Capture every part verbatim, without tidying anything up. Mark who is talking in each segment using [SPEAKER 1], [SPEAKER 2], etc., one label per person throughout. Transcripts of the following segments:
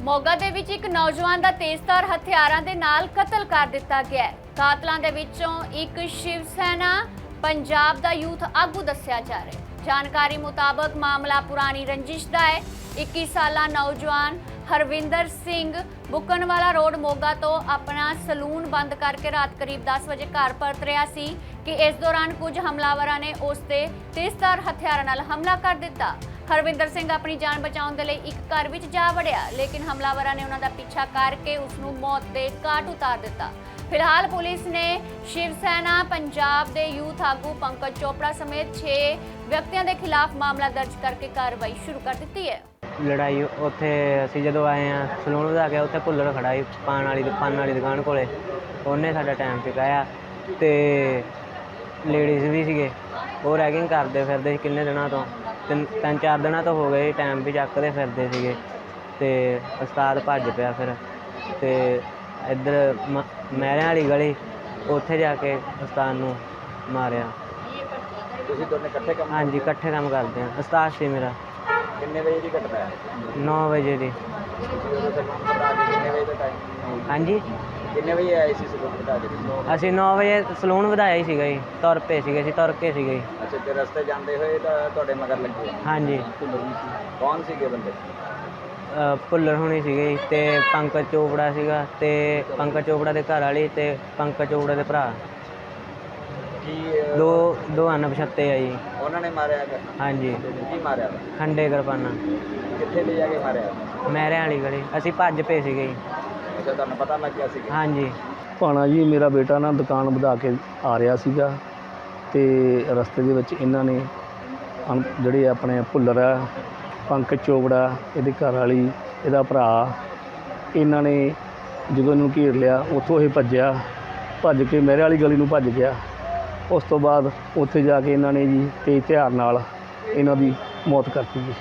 [SPEAKER 1] ਮੋਗਾ ਦੇ ਵਿੱਚ ਇੱਕ ਨੌਜਵਾਨ ਦਾ ਤੇਜ਼ਧਾਰ ਹਥਿਆਰਾਂ ਦੇ ਨਾਲ ਕਤਲ ਕਰ ਦਿੱਤਾ ਗਿਆ ਹੈ। ਕਾਤਲਾਂ ਦੇ ਵਿੱਚੋਂ ਇੱਕ ਸ਼ਿਵ ਸੈਨਾ ਪੰਜਾਬ ਦਾ ਯੂਥ ਆਗੂ ਦੱਸਿਆ ਜਾ ਰਿਹਾ ਹੈ। ਜਾਣਕਾਰੀ ਮੁਤਾਬਕ ਮਾਮਲਾ ਪੁਰਾਣੀ ਰੰਜਿਸ਼ ਦਾ ਹੈ। ਇੱਕੀ ਸਾਲਾ ਨੌਜਵਾਨ ਹਰਵਿੰਦਰ ਸਿੰਘ ਬੁੱਕਣਵਾਲਾ ਰੋਡ ਮੋਗਾ ਤੋਂ ਆਪਣਾ ਸਲੂਨ ਬੰਦ ਕਰਕੇ ਰਾਤ ਕਰੀਬ ਦਸ ਵਜੇ ਘਰ ਪਰਤ ਰਿਹਾ ਸੀ ਕਿ ਇਸ ਦੌਰਾਨ ਕੁਝ ਹਮਲਾਵਰਾਂ ਨੇ ਉਸ ਤੇ ਤੇਜ਼ਧਾਰ ਹਥਿਆਰਾਂ ਨਾਲ ਹਮਲਾ ਕਰ ਦਿੱਤਾ। ਹਰਵਿੰਦਰ ਸਿੰਘ ਆਪਣੀ ਜਾਨ ਬਚਾਉਣ ਦੇ ਲਈ ਇੱਕ ਘਰ ਵਿੱਚ ਜਾ ਵੜਿਆ, ਲੇਕਿਨ ਹਮਲਾਵਰਾਂ ਨੇ ਉਹਨਾਂ ਦਾ ਪਿੱਛਾ ਕਰਕੇ ਉਸ ਨੂੰ ਮੌਤ ਦੇ ਘਾਟ ਉਤਾਰ ਦਿੱਤਾ। ਫਿਲਹਾਲ ਪੁਲਿਸ ਨੇ ਸ਼ਿਵ ਸੈਨਾ ਪੰਜਾਬ ਦੇ ਯੂਥ ਆਗੂ ਪੰਕਜ ਚੋਪੜਾ ਸਮੇਤ ਛੇ ਵਿਅਕਤੀਆਂ ਦੇ ਖਿਲਾਫ ਮਾਮਲਾ ਦਰਜ ਕਰਕੇ ਕਾਰਵਾਈ ਸ਼ੁਰੂ ਕਰ ਦਿੱਤੀ ਹੈ।
[SPEAKER 2] ਲੜਾਈ ਉੱਥੇ ਅਸੀਂ ਜਦੋਂ ਆਏ ਹਾਂ ਸਲੂਨ ਵਧਾ ਕੇ ਉੱਥੇ ਭੁੱਲਰ ਖੜਾ ਸੀ ਪਾਨ ਵਾਲੀ ਪਾਨ ਵਾਲੀ ਦੁਕਾਨ ਕੋਲੇ, ਉਹਨੇ ਸਾਡਾ ਟਾਈਮ ਚੁਕਾਇਆ ਤੇ ਲੇਡੀਜ਼ ਵੀ ਸੀਗੇ, ਉਹ ਰੈਗਿੰਗ ਕਰਦੇ ਫਿਰਦੇ ਸੀ ਕਿੰਨੇ ਦਿਨਾਂ ਤੋਂ, ਤਿੰਨ ਤਿੰਨ ਚਾਰ ਦਿਨਾਂ ਤੋਂ ਹੋ ਗਏ ਟਾਈਮ ਵੀ ਚੱਕਦੇ ਫਿਰਦੇ ਸੀਗੇ ਤੇ ਉਸਤਾਦ ਭੱਜ ਪਿਆ ਫਿਰ ਤੇ ਇੱਧਰ ਮ ਮਹਿਰਿਆਂ ਵਾਲੀ ਗਲੀ ਉੱਥੇ ਜਾ ਕੇ ਉਸਤਾਦ ਨੂੰ ਮਾਰਿਆ।
[SPEAKER 3] ਤੁਸੀਂ ਦੋਨੇ ਇਕੱਠੇ ਕੰਮ
[SPEAKER 2] ਹਾਂਜੀ ਇਕੱਠੇ ਕੰਮ ਕਰਦੇ ਹਾਂ। ਉਸਤਾਦ ਸੀ ਮੇਰਾ।
[SPEAKER 3] ਕਿੰਨੇ ਵਜੇ ਦੀ ਘਟਨਾ ਹੈ?
[SPEAKER 2] ਨੌ ਵਜੇ ਦੀ।
[SPEAKER 3] ਕਿੰਨੇ ਵਜੇ ਦਾ ਟਾਈਮ?
[SPEAKER 2] ਹਾਂਜੀ
[SPEAKER 3] ਕਿੰਨੇ ਵਜੇ ਆਏ ਸੀ ਸਲੂਨ ਵਧਾ ਕੇ?
[SPEAKER 2] ਅਸੀਂ ਨੌ ਵਜੇ ਸਲੂਨ ਵਧਾਇਆ ਹੀ ਸੀਗਾ ਜੀ, ਤੁਰ ਪਏ ਸੀਗੇ ਅਸੀਂ ਤੁਰ ਕੇ ਸੀਗੇ।
[SPEAKER 3] ਅੱਛਾ, ਤੇ ਰਸਤੇ ਜਾਂਦੇ ਹੋਏ ਤਾਂ ਤੁਹਾਡੇ ਮਗਰ ਲੱਗੇ?
[SPEAKER 2] ਹਾਂਜੀ।
[SPEAKER 3] ਕੌਣ ਸੀਗੇ ਬੰਦੇ?
[SPEAKER 2] ਭੁੱਲਰ ਹੋਣੀ ਸੀਗੇ ਜੀ ਤੇ ਪੰਕਜ ਚੋਪੜਾ ਸੀਗਾ ਤੇ ਪੰਕਜ ਚੋਪੜਾ ਦੇ ਘਰ ਵਾਲੀ ਤੇ ਪੰਕਜ ਚੋਪੜਾ ਦੇ ਭਰਾ।
[SPEAKER 3] ਕੀ
[SPEAKER 2] ਦੋ ਦੋ ਅਣਪਛਾਤੇ ਆ ਜੀ।
[SPEAKER 3] ਉਹਨਾਂ ਨੇ ਮਾਰਿਆ ਹੈਗਾ?
[SPEAKER 2] ਹਾਂਜੀ।
[SPEAKER 3] ਕੀ ਮਾਰਿਆ?
[SPEAKER 2] ਖੰਡੇ ਕਿਰਪਾਨਾਂ।
[SPEAKER 3] ਕਿੱਥੇ ਲੈ ਜਾ ਕੇ ਮਾਰਿਆ?
[SPEAKER 2] ਮਹਿਰਿਆਂ ਵਾਲੀ ਗਲੀ। ਅਸੀਂ ਭੱਜ ਪਏ ਸੀਗੇ ਜੀ।
[SPEAKER 3] ਅੱਛਾ, ਤੁਹਾਨੂੰ ਪਤਾ ਲੱਗ ਗਿਆ ਸੀ?
[SPEAKER 2] ਹਾਂਜੀ।
[SPEAKER 4] ਭਾਣਾ ਜੀ ਮੇਰਾ ਬੇਟਾ ਨਾ ਦੁਕਾਨ ਵਧਾ ਕੇ ਆ ਰਿਹਾ ਸੀਗਾ ਤੇ ਰਸਤੇ ਦੇ ਵਿੱਚ ਇਹਨਾਂ ਨੇ ਅਣ ਜਿਹੜੇ ਆਪਣੇ ਭੁੱਲਰ ਆ, ਪੰਕਜ ਚੋਪੜਾ, ਇਹਦੇ ਘਰ ਵਾਲੀ, ਇਹਦਾ ਭਰਾ, ਇਹਨਾਂ ਨੇ ਜਦੋਂ ਇਹਨੂੰ ਘੇਰ ਲਿਆ ਉੱਥੋਂ ਇਹ ਭੱਜਿਆ, ਭੱਜ ਕੇ ਮਹਿਰੇ ਵਾਲੀ ਗਲੀ ਨੂੰ ਭੱਜ ਗਿਆ। ਉਸ ਤੋਂ ਬਾਅਦ ਉੱਥੇ ਜਾ ਕੇ ਇਹਨਾਂ ਨੇ ਜੀ ਤੇਜ਼ ਹਥਿਆਰ ਨਾਲ ਇਹਨਾਂ ਦੀ ਮੌਤ ਕਰਤੀ ਜੀ।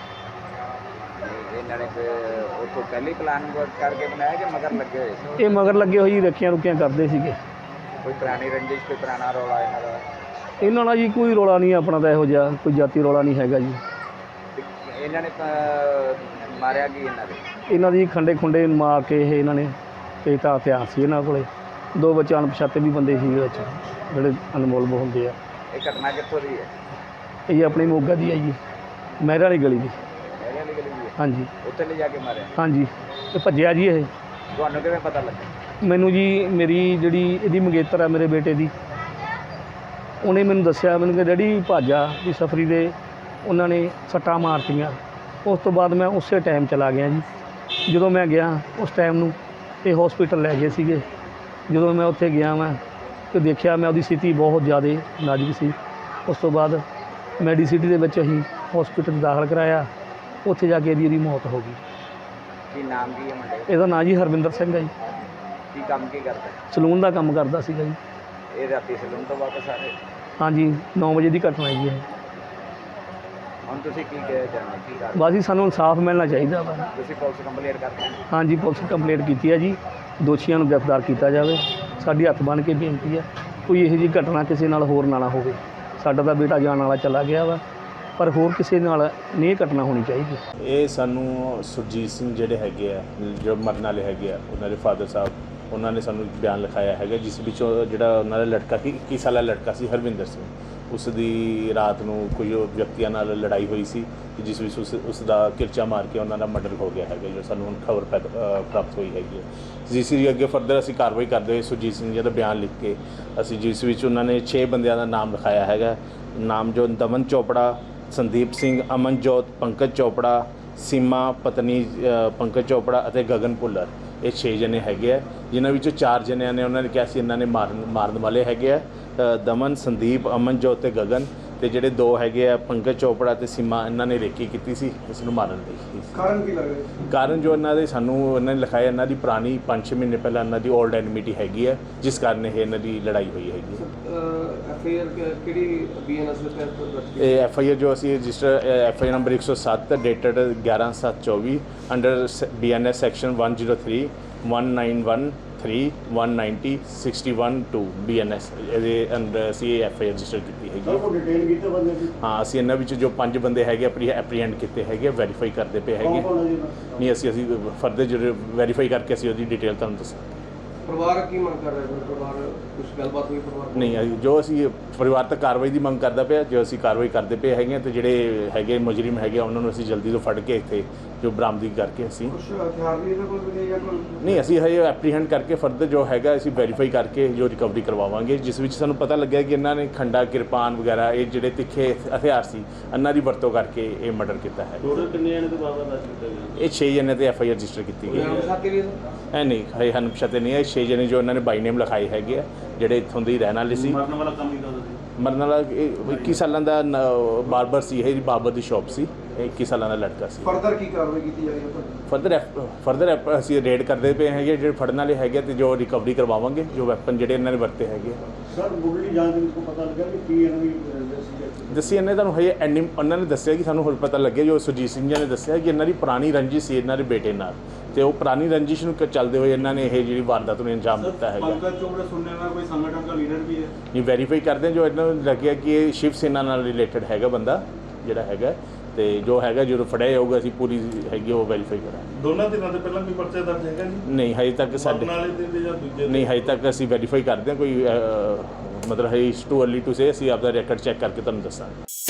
[SPEAKER 3] ਇਹਨਾਂ ਨੇ ਉੱਥੋਂ ਪਹਿਲੀ ਪਲਾਨ ਕਰਕੇ ਬਣਾਇਆ ਕਿ ਮਗਰ ਲੱਗੇ ਹੋਏ ਸੀ?
[SPEAKER 4] ਇਹ ਮਗਰ ਲੱਗੇ ਹੋਏ ਜੀ, ਰੱਖੀਆਂ ਰੁਕੀਆਂ ਕਰਦੇ ਸੀਗੇ।
[SPEAKER 3] ਕੋਈ ਪੁਰਾਣੀ ਰੰਜਿਸ਼, ਕੋਈ ਪੁਰਾਣਾ ਰੌਲਾ ਇਹਨਾਂ ਦਾ?
[SPEAKER 4] ਇਹਨਾਂ ਨਾਲ ਜੀ ਕੋਈ ਰੌਲਾ ਨਹੀਂ ਆਪਣਾ ਤਾਂ ਇਹੋ ਜਿਹਾ, ਕੋਈ ਜਾਤੀ ਰੌਲਾ ਨਹੀਂ ਹੈਗਾ ਜੀ।
[SPEAKER 3] ਇਹਨਾਂ ਨੇ ਮਾਰਿਆ ਕੀ ਇਹਨਾਂ ਦੇ?
[SPEAKER 4] ਇਹਨਾਂ ਦੀ ਖੰਡੇ ਖੁੰਡੇ ਮਾਰ ਕੇ ਇਹ ਇਹਨਾਂ ਨੇ ਤੇ ਤਾਂ ਹਥਿਆਰ ਸੀ ਇਹਨਾਂ ਕੋਲੇ। ਦੋ ਬੱਚੇ ਅਣਪਛਾਤੇ ਵੀ ਬੰਦੇ ਸੀ ਵਿੱਚ ਜਿਹੜੇ ਅਨਮੋਲ ਹੁੰਦੇ ਆ।
[SPEAKER 3] ਇਹ ਘਟਨਾ ਕਿੱਥੋਂ ਦੀ ਹੈ?
[SPEAKER 4] ਇਹ ਆਪਣੀ ਮੋਗਾ ਦੀ ਹੈ ਜੀ, ਮਹਿਰੇ ਵਾਲੀ ਗਲੀ ਦੀ।
[SPEAKER 3] ਮਹਿਰੇ ਵਾਲੀ ਗਲੀ ਦੀ ਹੈ?
[SPEAKER 4] ਹਾਂਜੀ।
[SPEAKER 3] ਉੱਥੇ ਲੈ ਜਾ ਕੇ ਮਾਰਿਆ?
[SPEAKER 4] ਹਾਂਜੀ। ਇਹ ਭੱਜਿਆ ਜੀ। ਇਹ
[SPEAKER 3] ਤੁਹਾਨੂੰ ਕਿਵੇਂ ਪਤਾ ਲੱਗਾ?
[SPEAKER 4] ਮੈਨੂੰ ਜੀ ਮੇਰੀ ਜਿਹੜੀ ਇਹਦੀ ਮੰਗੇਤਰ ਆ ਮੇਰੇ ਬੇਟੇ ਦੀ, ਉਹਨੇ ਮੈਨੂੰ ਦੱਸਿਆ, ਮੈਨੂੰ ਕਿ ਡੈਡੀ ਭਾਜਾ ਵੀ ਸਫਰੀ ਦੇ ਉਹਨਾਂ ਨੇ ਸੱਟਾਂ ਮਾਰਤੀਆਂ। ਉਸ ਤੋਂ ਬਾਅਦ ਮੈਂ ਉਸੇ ਟਾਈਮ ਚਲਾ ਗਿਆ ਜੀ। ਜਦੋਂ ਮੈਂ ਗਿਆ ਉਸ ਟਾਈਮ ਨੂੰ ਇਹ ਹੌਸਪੀਟਲ ਲੈ ਗਏ ਸੀਗੇ। ਜਦੋਂ ਮੈਂ ਉੱਥੇ ਗਿਆ ਮੈਂ ਤੇ ਦੇਖਿਆ ਮੈਂ ਉਹਦੀ ਸਥਿਤੀ ਬਹੁਤ ਜ਼ਿਆਦਾ ਨਾਜ਼ੁਕ ਸੀ। ਉਸ ਤੋਂ ਬਾਅਦ ਮੈਡੀਸਿਟੀ ਦੇ ਵਿੱਚ ਅਸੀਂ ਹੌਸਪੀਟਲ ਦਾਖਲ ਕਰਾਇਆ। ਉੱਥੇ ਜਾ ਕੇ ਇਹਦੀ ਇਹਦੀ ਮੌਤ ਹੋ ਗਈ।
[SPEAKER 3] ਕੀ ਨਾਮ ਕੀ ਹੈ ਮੁੰਡੇ?
[SPEAKER 4] ਇਹਦਾ ਨਾਂ ਜੀ ਹਰਵਿੰਦਰ ਸਿੰਘ ਹੈ ਜੀ।
[SPEAKER 3] ਕੀ ਕੰਮ ਕੀ ਕਰਦਾ?
[SPEAKER 4] ਸਲੂਨ ਦਾ ਕੰਮ ਕਰਦਾ ਸੀਗਾ ਜੀ।
[SPEAKER 3] ਇਹ ਰਾਤੀ ਸਲੂਨ ਤੋਂ ਵਾਪਸ ਆ ਰਹੇ?
[SPEAKER 4] ਹਾਂਜੀ, ਨੌ ਵਜੇ ਦੀ ਘਟਨਾ ਹੈ ਜੀ ਇਹ।
[SPEAKER 3] ਹੁਣ ਤੁਸੀਂ ਕੀ ਕਹਿ ਚਾਹੁੰਦੇ? ਕੀ ਕਰ
[SPEAKER 4] ਬਸ ਜੀ ਸਾਨੂੰ ਇਨਸਾਫ ਮਿਲਣਾ ਚਾਹੀਦਾ ਵਾ।
[SPEAKER 3] ਤੁਸੀਂ ਪੁਲਿਸ ਕੰਪਲੇਂਟ ਕਰਦੇ?
[SPEAKER 4] ਹਾਂਜੀ, ਪੁਲਿਸ ਕੰਪਲੇਂਟ ਕੀਤੀ ਹੈ ਜੀ। ਦੋਸ਼ੀਆਂ ਨੂੰ ਗ੍ਰਿਫਤਾਰ ਕੀਤਾ ਜਾਵੇ। ਸਾਡੀ ਹੱਥ ਬੰਨ੍ਹ ਕੇ ਬੇਨਤੀ ਹੈ ਕੋਈ ਇਹੋ ਜਿਹੀ ਘਟਨਾ ਕਿਸੇ ਨਾਲ ਹੋਰ ਨਾ ਨਾ ਹੋਵੇ। ਸਾਡਾ ਤਾਂ ਬੇਟਾ ਜਾਣ ਵਾਲਾ ਚਲਾ ਗਿਆ ਵਾ, ਪਰ ਹੋਰ ਕਿਸੇ ਨਾਲ ਨਹੀਂ ਇਹ ਘਟਨਾ ਹੋਣੀ ਚਾਹੀਦੀ।
[SPEAKER 5] ਇਹ ਸਾਨੂੰ ਸੁਰਜੀਤ ਸਿੰਘ ਜਿਹੜੇ ਹੈਗੇ ਆ, ਜੋ ਮਰਨ ਵਾਲੇ ਹੈਗੇ ਆ, ਉਹਨਾਂ ਦੇ ਫਾਦਰ ਸਾਹਿਬ, ਉਹਨਾਂ ਨੇ ਸਾਨੂੰ ਬਿਆਨ ਲਿਖਾਇਆ ਹੈਗਾ, ਜਿਸ ਵਿੱਚੋਂ ਜਿਹੜਾ ਉਹਨਾਂ ਦਾ ਲੜਕਾ ਸੀ, ਇੱਕੀ ਸਾਲਾ ਲੜਕਾ ਸੀ ਹਰਵਿੰਦਰ ਸਿੰਘ, ਉਸ ਦੀ ਰਾਤ ਨੂੰ ਕੋਈ ਵਿਅਕਤੀਆਂ ਨਾਲ ਲੜਾਈ ਹੋਈ ਸੀ, ਜਿਸ ਵਿੱਚ ਉਸ ਉਸ ਦਾ ਕਿਰਚਾ ਮਾਰ ਕੇ ਉਹਨਾਂ ਦਾ ਮਰਡਰ ਹੋ ਗਿਆ ਹੈਗਾ, ਜੋ ਸਾਨੂੰ ਹੁਣ ਖਬਰ ਪ੍ਰਾਪਤ ਹੋਈ ਹੈਗੀ ਹੈ। ਜਿਸ ਦੀ ਅੱਗੇ ਫਰਦਰ ਅਸੀਂ ਕਾਰਵਾਈ ਕਰਦੇ ਹੋਏ ਸੁਰਜੀਤ ਸਿੰਘ ਜੀ ਦਾ ਬਿਆਨ ਲਿਖ ਕੇ ਅਸੀਂ, ਜਿਸ ਵਿੱਚ ਉਹਨਾਂ ਨੇ ਛੇ ਬੰਦਿਆਂ ਦਾ ਨਾਮ ਲਿਖਾਇਆ ਹੈਗਾ। ਨਾਮ ਜੋ ਦਮਨ ਚੋਪੜਾ, ਸੰਦੀਪ ਸਿੰਘ, ਅਮਨਜੋਤ, ਪੰਕਜ ਚੋਪੜਾ, ਸੀਮਾ ਪਤਨੀ ਪੰਕਜ ਚੋਪੜਾ ਅਤੇ ਗਗਨ ਭੁੱਲਰ। ਇਹ ਛੇ ਜਣੇ ਹੈਗੇ ਆ, ਜਿਨ੍ਹਾਂ ਵਿੱਚੋਂ ਚਾਰ ਜਣਿਆਂ ਨੇ ਉਹਨਾਂ ਨੇ ਕਿਹਾ ਸੀ ਇਹਨਾਂ ਨੇ ਮਾਰਨ ਮਾਰਨ ਵਾਲੇ ਹੈਗੇ ਆ, ਦਮਨ, ਸੰਦੀਪ, ਅਮਨਜੋਤ ਅਤੇ ਗਗਨ। ਅਤੇ ਜਿਹੜੇ ਦੋ ਹੈਗੇ ਆ ਪੰਕਜ ਚੋਪੜਾ ਅਤੇ ਸੀਮਾ, ਇਹਨਾਂ ਨੇ ਰੇਕੀ ਕੀਤੀ ਸੀ ਇਸ ਨੂੰ ਮਾਰਨ ਲਈ।
[SPEAKER 6] ਕਾਰਨ ਕੀ ਲੱਗਦਾ?
[SPEAKER 5] ਕਾਰਨ ਜੋ ਇਹਨਾਂ ਦੇ ਸਾਨੂੰ ਇਹਨਾਂ ਨੇ ਲਿਖਾਇਆ, ਇਹਨਾਂ ਦੀ ਪੁਰਾਣੀ ਪੰਜ ਛੇ ਮਹੀਨੇ ਪਹਿਲਾਂ ਇਹਨਾਂ ਦੀ ਓਲਡ ਐਨਮਿਟੀ ਹੈਗੀ ਹੈ, ਜਿਸ ਕਾਰਨ ਇਹ ਇਹਨਾਂ ਦੀ ਲੜਾਈ ਹੋਈ ਹੈਗੀ ਹੈ।
[SPEAKER 6] ਐਫ ਆਈ ਆਰ ਕਿਹੜੀ ਬੀ ਐਨ ਐਸ ਦੇ ਤਹਿਤ ਦਰਜ?
[SPEAKER 5] ਇਹ ਐਫ ਆਈ ਆਰ ਜੋ ਅਸੀਂ register F I R number ਇੱਕ ਸੌ ਸੱਤ ਡੇਟਡ ਗਿਆਰਾਂ ਸੱਤ ਚੌਵੀ under B N S section one oh three one nine one three one ninety sixty one two B N S ਇਹਦੇ ਅੰਡਰ ਅਸੀਂ ਐਫ ਆਈ ਆਰ ਰਜਿਸਟਰ ਕੀਤੀ ਹੈਗੀ ਹੈ। ਹਾਂ ਅਸੀਂ ਇਹਨਾਂ ਵਿੱਚ ਜੋ ਪੰਜ ਬੰਦੇ ਹੈਗੇ ਆਪਣੀ ਐਪਰੀਹੈਂਡ ਕੀਤੇ ਹੈਗੇ, ਵੈਰੀਫਾਈ ਕਰਦੇ ਪਏ ਹੈਗੇ। ਨਹੀਂ ਅਸੀਂ ਅਸੀਂ ਫਰਦਰ ਜਿਹੜੇ ਵੈਰੀਫਾਈ ਕਰਕੇ ਅਸੀਂ ਉਹਦੀ ਡਿਟੇਲ ਤੁਹਾਨੂੰ ਦੱਸਾਂਗੇ।
[SPEAKER 6] ਪਰਿਵਾਰ ਕੀ ਮੰਗ ਕਰ ਰਿਹਾ ਹੈ? ਪਰਿਵਾਰ ਕੁਝ ਗੱਲਬਾਤ ਹੋਈ ਪਰਿਵਾਰ ਨਾਲ?
[SPEAKER 5] ਨਹੀਂ ਅਸੀਂ- ਜੋ ਅਸੀਂ ਪਰਿਵਾਰ ਤੱਕ ਕਾਰਵਾਈ ਦੀ ਮੰਗ ਕਰਦਾ ਪਿਆ, ਜੋ ਅਸੀਂ ਕਾਰਵਾਈ ਕਰਦੇ ਪਏ ਹੈਗੇ ਹਾਂ, ਤੇ ਜਿਹੜੇ ਹੈਗੇ ਮੁਜਰਮ ਹੈਗੇ ਆ, ਉਹਨਾਂ ਨੂੰ ਅਸੀਂ ਜਲਦੀ ਤੋਂ ਫੜ ਕੇ ਇੱਥੇ ਜੋ ਬਰਾਮਦਗੀ ਕਰਕੇ ਅਸੀਂ
[SPEAKER 6] ਕੁਝ ਹਥਿਆਰ ਵੀ ਇਹਨਾਂ ਕੋਲ ਮਿਲੇ ਜਾਂ ਕੋਈ?
[SPEAKER 5] ਨਹੀਂ ਅਸੀਂ ਹਜੇ ਐਪਰੀਹੈਂਡ ਕਰਕੇ ਫਰਦਰ ਜੋ ਹੈਗਾ ਅਸੀਂ ਵੈਰੀਫਾਈ ਕਰਕੇ ਜੋ ਰਿਕਵਰੀ ਕਰਵਾਵਾਂਗੇ, ਜਿਸ ਵਿੱਚ ਸਾਨੂੰ ਪਤਾ ਲੱਗਿਆ ਕਿ ਇਹਨਾਂ ਨੇ ਖੰਡਾ, ਕਿਰਪਾਨ ਵਗੈਰਾ ਇਹ ਜਿਹੜੇ ਤਿੱਖੇ ਹਥਿਆਰ ਸੀ ਇਹਨਾਂ ਦੀ ਵਰਤੋਂ ਕਰਕੇ ਇਹ ਮਰਡਰ ਕੀਤਾ ਹੈ।
[SPEAKER 7] ਟੋਟਲ ਕਿੰਨੇ ਜਣੇ ਤੋਂ ਬਾਅਦ ਦੱਸ ਦਿੱਤਾ ਗਿਆ?
[SPEAKER 5] ਇਹ ਛੇ ਜਣੇ ਤੇ ਐਫ ਆਈ ਆਰ ਰਜਿਸਟਰ ਕੀਤੀ ਗਈ
[SPEAKER 6] ਨਾਮ
[SPEAKER 5] ਹੈ।
[SPEAKER 6] ਸਾਥੀ ਵੀ
[SPEAKER 5] ਐ ਨਹੀਂ ਹਜੇ ਹਨ ਪਛਾਤੇ ਨਹੀਂ ਹੈ। ਛੇ ਜਣੇ ਜੋ ਇਹਨਾਂ ਨੇ ਬਾਈ ਨੇਮ ਲਿਖਾਏ ਹੈਗੇ ਆ, ਜਿਹੜੇ ਇੱਥੋਂ ਦੇ ਹੀ ਰਹਿਣ ਵਾਲੇ ਸੀ।
[SPEAKER 7] ਮਰਨ ਵਾਲਾ ਕੰਮ ਹੀ ਕਰਦਾ ਸੀ।
[SPEAKER 5] ਮਰਨ ਵਾਲਾ ਇਹ ਇੱਕੀ ਸਾਲਾਂ ਦਾ ਬਾਰਬਰ ਸੀ, ਇਹ ਬਾਰਬਰ ਦੀ ਸ਼ਾਪ ਸੀ। ਇਹ ਇੱਕੀ ਸਾਲਾਂ ਦਾ ਲੜਕਾ ਸੀ।
[SPEAKER 6] ਫਰਦਰ ਕੀ ਕਾਰਵਾਈ ਕੀਤੀ ਜਾ ਰਹੀ ਹੈ ਤੁਹਾਡੀ?
[SPEAKER 5] ਫਰਦਰ ਫਰਦਰ ਅਸੀਂ ਰੇਡ ਕਰਦੇ ਪਏ ਹੈਗੇ, ਜਿਹੜੇ ਫੜਨ ਵਾਲੇ ਹੈਗੇ ਤੇ ਜੋ ਰਿਕਵਰੀ ਕਰਵਾਵਾਂਗੇ, ਜੋ ਵੈਪਨ ਜਿਹੜੇ ਇਹਨਾਂ ਨੇ ਵਰਤੇ ਹੈਗੇ।
[SPEAKER 7] ਸਰ ਮੁੱਢਲੀ ਜਾਂਚ ਦੇ ਵਿੱਚ ਕੋਈ ਪਤਾ ਲੱਗਿਆ ਕਿ ਕੀ ਇਹਨਾਂ ਦੀ ਸੀ?
[SPEAKER 5] ਦੱਸੀ ਇਹਨੇ ਤੁਹਾਨੂੰ ਹਜੇ ਐਨੀ ਉਹਨਾਂ ਨੇ ਦੱਸਿਆ ਕਿ ਸਾਨੂੰ ਹੋਰ ਪਤਾ ਲੱਗਿਆ, ਜੋ ਸੁਰਜੀਤ ਸਿੰਘ ਜੀ ਨੇ ਦੱਸਿਆ ਕਿ ਇਹਨਾਂ ਦੀ ਪੁਰਾਣੀ ਰੰਜਿਸ਼ ਸੀ ਇਹਨਾਂ ਦੇ ਬੇਟੇ ਨਾਲ, ਤੇ ਉਹ ਪੁਰਾਣੀ ਰੰਜਿਸ਼ ਨੂੰ ਕ- ਚੱਲਦੇ ਹੋਏ ਇਹਨਾਂ ਨੇ ਇਹ ਜਿਹੜੀ ਵਾਰਦਾਤ ਨੂੰ ਅੰਜਾਮ ਦਿੱਤਾ ਹੈਗਾ।
[SPEAKER 7] ਪੰਕਜ ਚੋਪੜਾ ਸੁਣਨੇ में कोई संगठन का लीडर भी है?
[SPEAKER 5] ਇਹ ਵੈਰੀਫਾਈ ਕਰਦੇ ਹਾਂ, ਜੋ ਇਹਨਾਂ ਨੂੰ ਲੱਗਿਆ ਕਿ ਇਹ ਸ਼ਿਵ ਸੈਨਾ ਨਾਲ ਰਿਲੇਟਡ ਹੈਗਾ ਬੰਦਾ ਜਿਹੜਾ ਹੈਗਾ, ਤੇ ਜੋ ਹੈਗਾ ਜਦੋਂ ਫੜਿਆ ਜਾਊਗਾ ਅਸੀਂ ਪੂਰੀ ਹੈਗੀ ਉਹ ਵੈਰੀਫਾਈ ਕਰਾਂਗੇ।
[SPEAKER 7] ਦੋਨਾਂ ਧਿਰਾਂ ਦੇ ਪਹਿਲਾਂ ਕੋਈ ਪਰਚਾ ਦਰਜ ਹੈਗਾ ਜੀ?
[SPEAKER 5] ਨਹੀਂ ਹਜੇ ਤੱਕ ਸਾਡੇ
[SPEAKER 7] ਮਰਨ ਵਾਲੇ ਤੇ ਜਾਂ ਦੂਜੇ ਤੇ?
[SPEAKER 5] ਨਹੀਂ ਹਜੇ ਤੱਕ ਅਸੀਂ ਵੈਰੀਫਾਈ ਕਰਦੇ ਹਾਂ, ਕੋਈ ਅਹ, ਮਤਲਬ ਹੈ ਟੂ ਅਰਲੀ ਟੂ ਸੇ। ਅਸੀਂ ਆਪਦਾ ਰੈਕਡ ਚੈੱਕ ਕਰਕੇ ਤੁਹਾਨੂੰ ਦੱਸਾਂਗੇ।